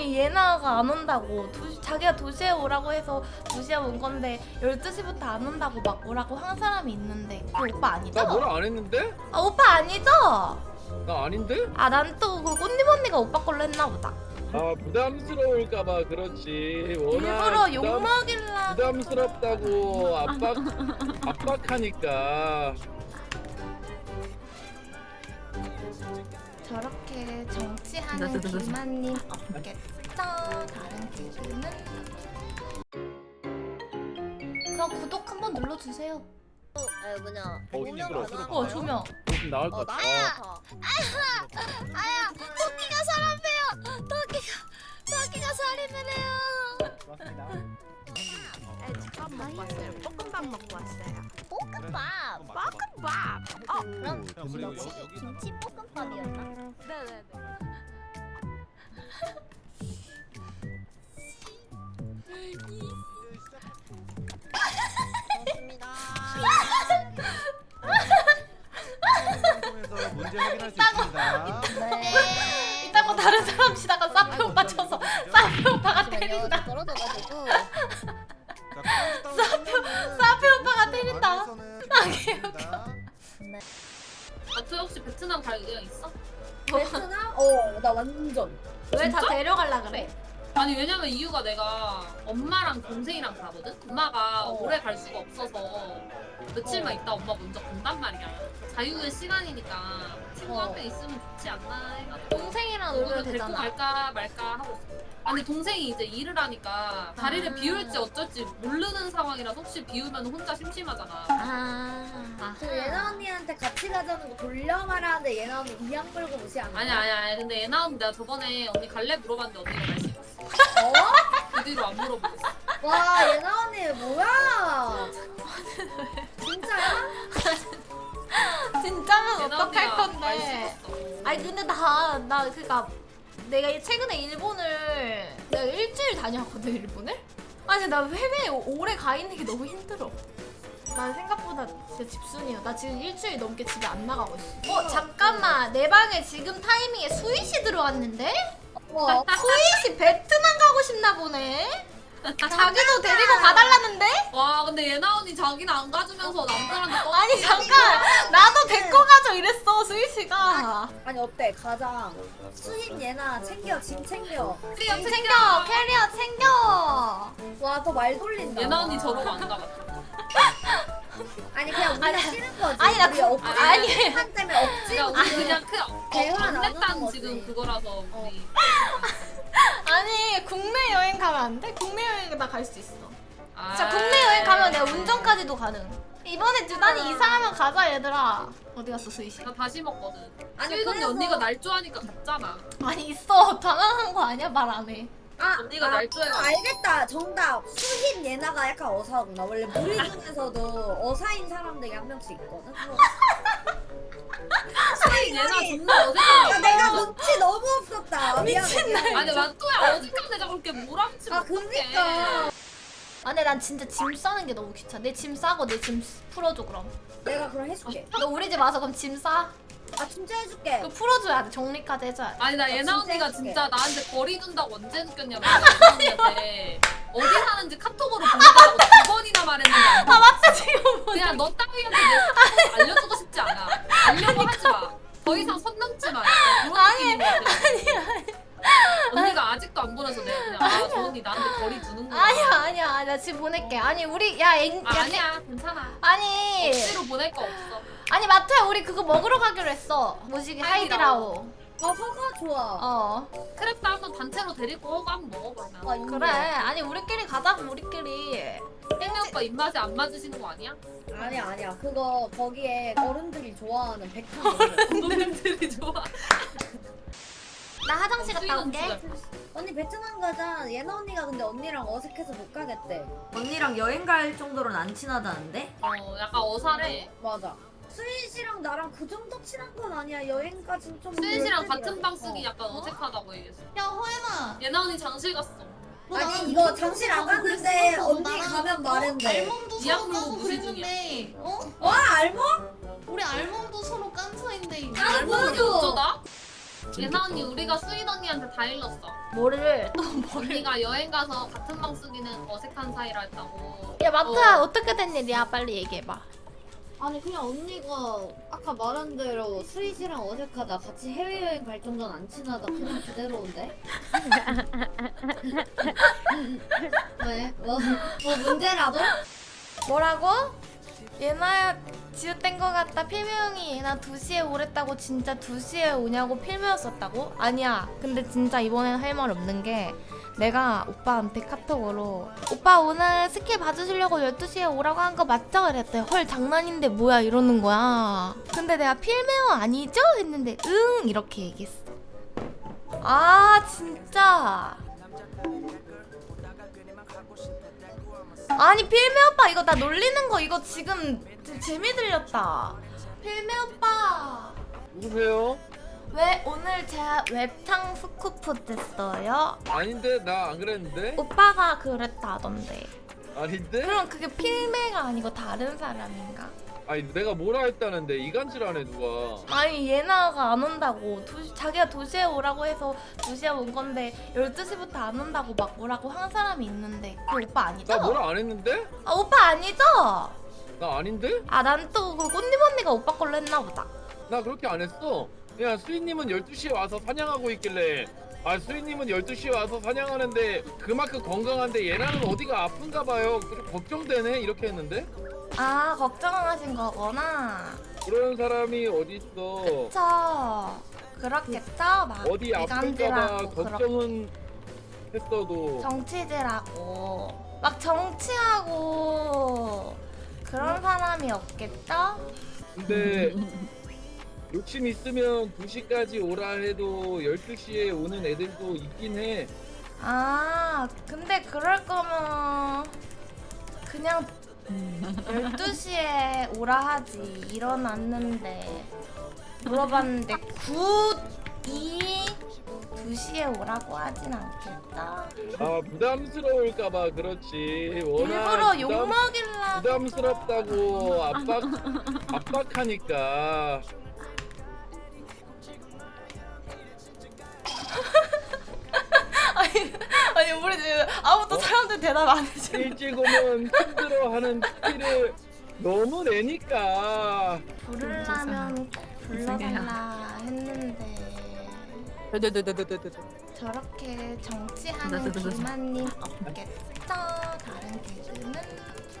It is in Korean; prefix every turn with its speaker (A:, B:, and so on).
A: 아니 예나가 안 온다고 자기가 2시에 오라고 해서 2시에 온 건데 12시부터 안 온다고 막 오라고 한 사람이 있는데 그 오빠 아니죠?
B: 나 뭐라 안 했는데?
A: 아 오빠 아니죠?
B: 나 아닌데?
A: 아 난 또 그 꽃님 언니가 오빠 걸로 했나 보다.
B: 아 부담스러울까봐 그렇지.
A: 일부러 욕먹일라.
B: 부담스럽다고 압박하니까.
A: 저렇게 정치하는 기만님 없겠죠? 다른 기준은 그냥 구독 한번 눌러주세요.
C: 뭐냐?
B: 힘들어.
A: 조명.
B: 좀 나을 것 같아.
C: 아야, 토끼가 사람이에요. 토끼가 살인을 해요.
D: 맞습니다.
C: 밥 먹고 왔어요. 볶음밥 먹고 왔어요. 볶음밥. 그럼 김치 볶음밥이었나? 네네네. 고맙습니다.
D: 통해서 문제 확인할 수 있습니다.
C: 네.
A: 이따가 다른 사람 치다가 사페 오빠 쳐서 사페 오빠가 때린다.
C: 떨어져가지고.
A: 사페 오빠가 때린다.
E: 저 혹시 베트남 갈 의향 있어?
C: 베트남? 나 완전.
A: 왜 다 데려갈라 그래?
E: 아니 왜냐면 이유가 내가 엄마랑 동생이랑 가거든? 엄마가 오래 갈 수가 없어서 며칠만 있다 엄마 먼저 간단 말이야. 자유의 시간이니까 친구 한 명 있으면 좋지 않나 해가지고
A: 동생이랑 놀면
E: 오늘 데리고
A: 되잖아.
E: 갈까 말까 하고 있어. 아니 동생이 이제 일을 하니까 자리를 비울지 어쩔지 모르는 상황이라서 혹시 비우면 혼자 심심하잖아.
C: 그 예나 언니한테 같이 가자는 거 돌려 말하는데 예나 언니 이양 물고 무시하는 거야?
E: 아니야. 근데 얘나 언니 내가 저번에 언니 갈래 물어봤는데 언니가 갈 수 있었어. 그 뒤로 안 물어보겠어.
C: 와 예나 언니 뭐야? 진짜야?
A: 진짜면
E: 얘나
A: 어떡할
E: 언니가
A: 건데?
E: 갈 수 있었어.
A: 아니 근데 나 그니까 내가 최근에 일본을 내가 일주일 다녀왔거든 일본을? 아니 나 해외에 오래 가 있는 게 너무 힘들어. 난 생각보다 진짜 집순이야. 나 지금 일주일 넘게 집에 안 나가고 있어. 잠깐만 내 방에 지금 타이밍에 수희씨 들어왔는데? 수희씨 베트남 가고 싶나 보네? 자기도 데리고 가달라는데?
E: 와 근데 예나 언니 자기는 안 가주면서 남들한테 떠.
A: 아니 잠깐 나도 데리고 가죠 이랬어 수희씨가.
C: 아니 어때? 가자. 수인 예나 챙겨 짐 챙겨.
A: 짐 챙겨 캐리어 챙겨.
C: 와 더 말 돌린다.
E: 예나 언니 저러고 안 가봤다.
C: 아니 그냥 우리가
A: 아니,
C: 싫은 거지.
A: 아니, 나
C: 우리
A: 그-
C: 억지
A: 아니.
C: 한 때문에 억지로
E: 그러니까 우리 그냥
C: 대화
E: 안
C: 나누는
E: 냈다는
C: 거지.
E: 지금 그거라서 우리.
A: 아니 국내 여행 가면 안 돼? 국내 여행 나 갈 수 있어.
E: 아.
A: 진짜 국내 여행 가면 내가 운전까지도 가능. 이번에 두단이 이사하면 가자 얘들아. 어디 갔어 수희씨?
E: 나 다시 먹거든.
C: 아니,
E: 수인 언니
C: 그래서-
E: 언니가 날 좋아하니까 갔잖아.
A: 아니 있어 당황한 거 아니야? 말 안 해.
E: 언니가 날 좋아해가지고.
C: 알겠다. 정답. 수인 예나가 약간 어사구나. 원래 무리 중에서도 어사인 사람들이 한 명씩 있거든.
E: 수인 얘나 존나
C: 야,
E: 어색한
C: 내가 눈치 너무 없었다.
A: 미친
C: 미안해.
E: 아니 만또야 어색한 내가 그렇게 몰아붙지
C: 아
E: 못해.
C: 그니까
A: 아 근데 난 진짜 짐 싸는 게 너무 귀찮아. 내 짐 싸고 내 짐 풀어줘 그럼.
C: 내가 그럼 해줄게.
A: 너 우리 집 와서 그럼 짐 싸?
C: 아 진짜 해줄게.
A: 그거 풀어줘야 돼. 정리까지 해줘야 돼.
E: 아니 나
C: 진짜
E: 예나 언니가
C: 해줄게.
E: 진짜 나한테 거리 둔다고 언제 느꼈냐면 예나 언니한테 어디 사는지 카톡으로 보내달라고 2번이나 말했는데 안
A: 아 맞다 지금 뭐.
E: 그냥 너 따위한테 내 스타일 알려주고 싶지 않아. 알려고 하지 마. 더 이상 선 넘지 마. 약간 그런
A: 아니,
E: 느낌인 것 같아. 언니가 아직도 안 보내서 내가 그냥 저 언니 나한테 거리 두는구나.
A: 아니야 나 지금 보낼게. 아니 우리 야
E: 아니야 괜찮아.
A: 아니
E: 억지로 보낼 거 없어.
A: 아니 마트야 우리 그거 먹으러 가기로 했어. 뭐지 하이디라오.
C: 아 허가 좋아.
A: 어
E: 크랩도 한번 단체로 데리고 오고 한번 먹어보면.
C: 아,
A: 그래. 아니 우리끼리 가자고 우리끼리.
E: 혜미 오빠 입맛에 안 맞으시는 거 아니야?
C: 아니야. 그거 거기에 어른들이 좋아하는 백탕.
E: 어른들이 좋아.
A: 나 화장실 갔다 올게.
C: 언니 베트남 가자. 예나 언니가 근데 언니랑 어색해서 못 가겠대.
F: 언니랑 여행 갈 정도로는 안 친하다는데?
E: 약간 어사래.
C: 맞아. 수인 씨랑 나랑 그 정도 친한 건 아니야. 여행까진 좀.
E: 수인 씨랑
C: 별들이야.
E: 같은 방 쓰기 약간 어색하다고 얘기했어.
A: 야 호연아.
E: 예나 언니 장실 갔어.
C: 아니 이거 장실 안 갔는데 언니 가면 말했는데.
G: 알몸도
E: 이악
G: 서로
E: 물고
G: 까고
E: 무시
G: 그랬는데
C: 와 알모?
G: 우리 알몸도 서로 깐서인데
C: 나도
E: 알몸이
C: 보여줘.
E: 어쩌다? 예나 언니 우리가 수인 언니한테 다 일렀어.
A: 뭐를 또 뭐를?
E: 언니가 여행 가서 같은 방 쓰기는 어색한 사이라 했다고.
A: 야 마트야 어떻게 된 일이야? 빨리 얘기해봐.
C: 아니 그냥 언니가 아까 말한 대로 스윗이랑 어색하다 같이 해외여행 갈 정도는 안 친하다 그냥 그대로인데? 왜? 뭐 문제라도?
A: 뭐라고? 예나야 지읒된 거 같다. 필메 형이 예나 2시에 오랬다고 진짜 2시에 오냐고 필메였었다고? 아니야. 근데 진짜 이번엔 할 말 없는 게 내가 오빠한테 카톡으로 오빠 오늘 스킬 봐주시려고 12시에 오라고 한 거 맞죠? 이랬더니 헐 장난인데 뭐야 이러는 거야. 근데 내가 필메어 아니죠? 했는데 응 이렇게 얘기했어. 아 진짜 아니 필메 오빠 이거 나 놀리는 거 이거 지금 재미 들렸다. 필메 오빠
B: 누구세요?
A: 왜 오늘 제가 웹창 스쿠프 됐어요?
B: 아닌데 나 안 그랬는데?
A: 오빠가 그랬다던데.
B: 아닌데?
A: 그럼 그게 필메가 아니고 다른 사람인가?
B: 아니 내가 뭐라 했다는데 이간질하네 누가.
A: 아니 예나가 안 온다고 자기가 2시에 오라고 해서 2시에 온 건데 12시부터 안 온다고 막 뭐라고 한 사람이 있는데 그 오빠 아니죠?
B: 나 뭐라 안 했는데?
A: 아 오빠 아니죠?
B: 나 아닌데?
A: 아 난 또 그 꽃님 언니가 오빠 걸로 했나 보다.
B: 나 그렇게 안 했어. 야 수인님은 12시에 와서 사냥하고 있길래 아 수인님은 12시에 와서 사냥하는데 그만큼 건강한데 얘랑은 어디가 아픈가 봐요. 좀 걱정되네 이렇게 했는데?
A: 아 걱정하신 거구나.
B: 그런 사람이 어딨어.
A: 그쵸. 그렇겠죠? 막
B: 어디 아플까봐
A: 이간질하고
B: 걱정은 했어도
A: 정치질하고 막 정치하고 그런 사람이 없겠죠?
B: 근데 욕심 있으면 2시까지 오라 해도 12시에 오는 애들도 있긴 해.
A: 아 근데 그럴 거면 그냥 12시에 오라 하지. 일어났는데 물어봤는데 2시에 오라고 하진 않겠다.
B: 아 부담스러울까봐 그렇지.
A: 일부러 욕먹일라.
B: 부담스럽다고 압박하니까.
A: 아니 우리 지금 아무도 사람들 대답 안 해줘.
B: 일찍 오면 힘들어하는 티를 너무 내니까.
A: 부르려면 꼭 불러달라 했는데 저렇게 정치하는 기만님 없겠죠? 다른 개그는